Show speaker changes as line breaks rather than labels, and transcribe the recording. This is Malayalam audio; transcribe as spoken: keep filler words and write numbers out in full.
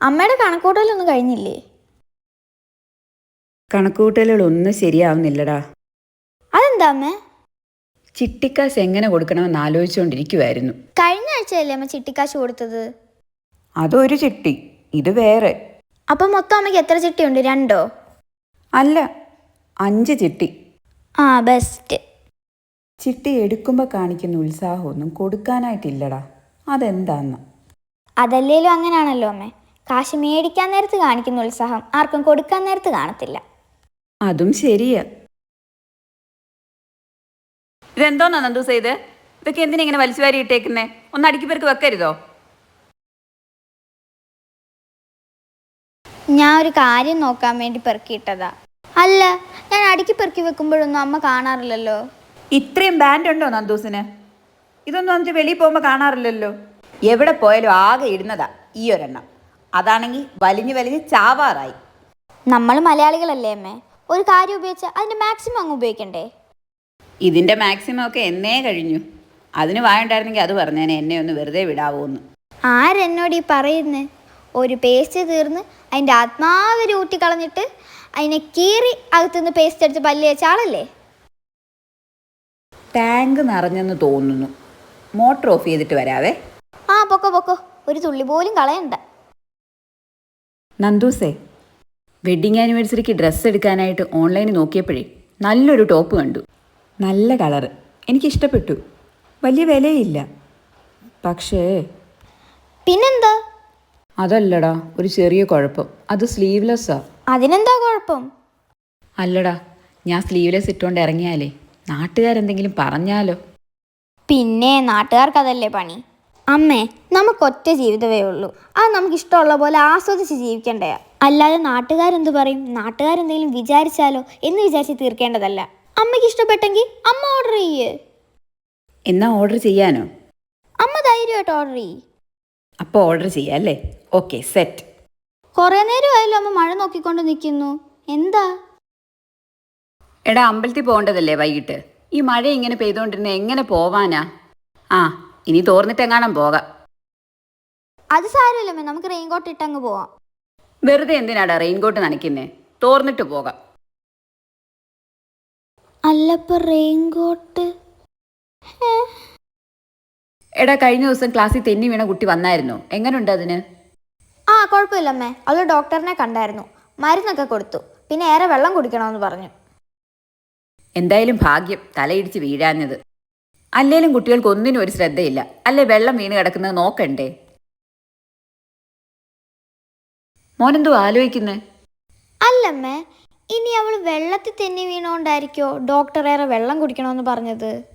അമ്മയുടെ കണക്കൂട്ടലൊന്നും കഴിഞ്ഞില്ലേ?
കണക്കൂട്ടലുകളൊന്നും ശരിയാവുന്നില്ലടാ.
അതെന്താ അമ്മേ?
ചിട്ടിക്കാശ് എങ്ങനെ കൊടുക്കണമെന്ന് ആലോചിച്ചുകൊണ്ടിരിക്കുവായിരുന്നു.
കഴിഞ്ഞ ആഴ്ചയല്ലേ അമ്മ ചിട്ടിക്കാശ് കൊടുത്തത്?
അതൊരു ചിട്ടി, ഇത് വേറെ.
അപ്പം മൊത്തം അമ്മയ്ക്ക് എത്ര ചിട്ടിയുണ്ട്? രണ്ടോ?
അല്ല, അഞ്ച് ചിട്ടി.
ആ ബെസ്റ്റ്.
ചിട്ടി എടുക്കുമ്പോൾ കാണിക്കുന്ന ഉത്സാഹമൊന്നും കൊടുക്കാനായിട്ടില്ലടാ. അതെന്താന്ന്?
അതല്ലേലും അങ്ങനെയാണല്ലോ അമ്മേ. കാശ് മേടിക്കാൻ നേരത്ത് കാണിക്കുന്ന ഉത്സാഹം ആർക്കും കൊടുക്കാൻ നേരത്ത് കാണത്തില്ല.
അതും ശരിയാ. ഇതെന്തോന്നാ നന്ദൂസ ഇത്? ഇതൊക്കെ എന്തിനാ ഇങ്ങനെ വലിച്ചുവാരി ഇട്ടേക്കുന്നേ? ഒന്ന് അടുക്കി പേർക്ക് വെക്കരുതോ?
ഞാൻ ഒരു കാര്യം നോക്കാൻ വേണ്ടി പെറുക്കിയിട്ടതാ. അല്ല, ഞാൻ അടുക്കി പെറുക്കി വെക്കുമ്പോഴൊന്നും അമ്മ കാണാറില്ലല്ലോ.
ഇത്രയും ബാൻഡ് ഉണ്ടോ നന്ദൂസിന്? ഇതൊന്നും എന്നിട്ട് വെളിയിൽ പോകുമ്പോൾ കാണാറില്ലല്ലോ. എവിടെ പോയാലും ആകെ ഇടുന്നതാ ഈ ഒരെണ്ണം. അതാണെങ്കിൽ വലിഞ്ഞ് വലിഞ്ഞ് ചാവാറായി.
നമ്മൾ മലയാളികളല്ലേ അമ്മേ, ഒരു കാര്യം ഉപയോഗിച്ചാൽ അതിൻ്റെ മാക്സിമം അങ്ങ് ഉപയോഗിക്കണ്ടേ?
ഇതിൻ്റെ മാക്സിമം ഒക്കെ എന്നേ കഴിഞ്ഞു. അതിന് വായുണ്ടായിരുന്നെങ്കിൽ അത് പറഞ്ഞേനെ എന്നെ ഒന്ന് വെറുതെ വിടാവോന്ന്.
ആരെന്നോട് ഈ പറയുന്നേ? ഒരു പേസ്റ്റ് തീർന്ന് അതിൻ്റെ ആത്മാവര് ഊട്ടിക്കളഞ്ഞിട്ട് അതിനെ കീറി അകത്തുനിന്ന് പേസ്റ്റ് എടുത്ത് പല്ല് വെച്ച ആളല്ലേ?
ടാങ്ക് നിറഞ്ഞെന്ന് തോന്നുന്നു. മോട്ടർ ഓഫ് ചെയ്തിട്ട് വരാവേ.
ആ പൊക്കോ പൊക്കോ, ഒരു തുള്ളി പോലും കളയണ്ട.
നന്ദൂസേ, വെഡ്ഡിങ് ആനിവേഴ്സറിക്ക് ഡ്രസ്സ് എടുക്കാനായിട്ട് ഓൺലൈനിൽ നോക്കിയപ്പോഴേ നല്ലൊരു ടോപ്പ് കണ്ടു. നല്ല കളറ്, എനിക്കിഷ്ടപ്പെട്ടു. വലിയ വിലയില്ല. പക്ഷേ
പിന്നെന്താ?
അതല്ലടാ, ഒരു ചെറിയ കുഴപ്പം. അത് സ്ലീവ്ലെസ്സാ.
അതിനെന്താ കുഴപ്പം?
അല്ലടാ, ഞാൻ സ്ലീവ്ലെസ് ഇട്ടുകൊണ്ട് ഇറങ്ങിയാലേ നാട്ടുകാരെന്തെങ്കിലും പറഞ്ഞാലോ?
പിന്നെ നാട്ടുകാർക്ക് അതല്ലേ പണി. അമ്മേ, നമുക്കൊറ്റ ജീവിതമേ ഉള്ളൂ. അത് നമുക്ക് ഇഷ്ടമുള്ള പോലെ ആസ്വദിച്ച് ജീവിക്കണ്ടേ. അല്ലാതെ നാട്ടുകാരെന്ത് പറയും, നാട്ടുകാരെന്തെങ്കിലും വിചാരിച്ചാലോ എന്ന് വിചാരിച്ച് തീർക്കേണ്ടതല്ല. അമ്മയ്ക്ക് ഇഷ്ടപ്പെട്ടെങ്കിൽ അമ്മ ഓർഡർ ചെയ്യേ.
എന്നാ ഓർഡർ ചെയ്യാനോ?
അമ്മ ധൈര്യമായിട്ട് ഓർഡർ ചെയ്യ്.
അപ്പോൾ ഓർഡർ ചെയ്യാം അല്ലേ? Okay, set.
കുറേ നേരമായാലും അമ്മ മഴ നോക്കിക്കൊണ്ട് നിൽക്കുന്നു. എന്താ?
എടാ, അമ്പലത്തിൽ പോകേണ്ടതല്ലേ വൈകിട്ട്? ഈ മഴ ഇങ്ങനെ പെയ്തുകൊണ്ടിരുന്ന എങ്ങനെ പോവാനാ? ആ, ഇനി തോർന്നിട്ടെങ്ങാനും പോകാം.
അത് സാരമില്ലമ്മേ, നമുക്ക് റെയിൻകോട്ട് ഇട്ടങ്ങ് പോവാം.
വെറുതെ എന്തിനാടാ റെയിൻകോട്ട് നനയ്ക്കുന്നേ? തോർന്നിട്ട് പോകാം.
അല്ലപ്പോ റെയിൻകോട്ട്?
എടാ, കഴിഞ്ഞ ദിവസം ക്ലാസ്സിൽ തെന്നി വീണ കുട്ടി വന്നായിരുന്നോ? എങ്ങനെയുണ്ട് അതിന്?
ആ കുഴപ്പമില്ലമ്മേ, അവൾ ഡോക്ടറിനെ കണ്ടായിരുന്നു. മരുന്നൊക്കെ കൊടുത്തു. പിന്നെ ഏറെ വെള്ളം കുടിക്കണമെന്ന് പറഞ്ഞു.
എന്തായാലും ഭാഗ്യം തലയിടിച്ച് വീഴാഞ്ഞത്. അല്ലേലും കുട്ടികൾക്ക് ഒന്നിനും ഒരു ശ്രദ്ധയില്ല. അല്ലേ വെള്ളം വീണ് കിടക്കുന്നത് നോക്കണ്ടേ? മോനെന്തോ ആലോചിക്കുന്നേ?
അല്ലമ്മേ, ഇനി അവൾ വെള്ളത്തിൽ തെന്നി വീണോണ്ടായിരിക്കോ ഡോക്ടർ ഏറെ വെള്ളം കുടിക്കണമെന്ന് പറഞ്ഞത്?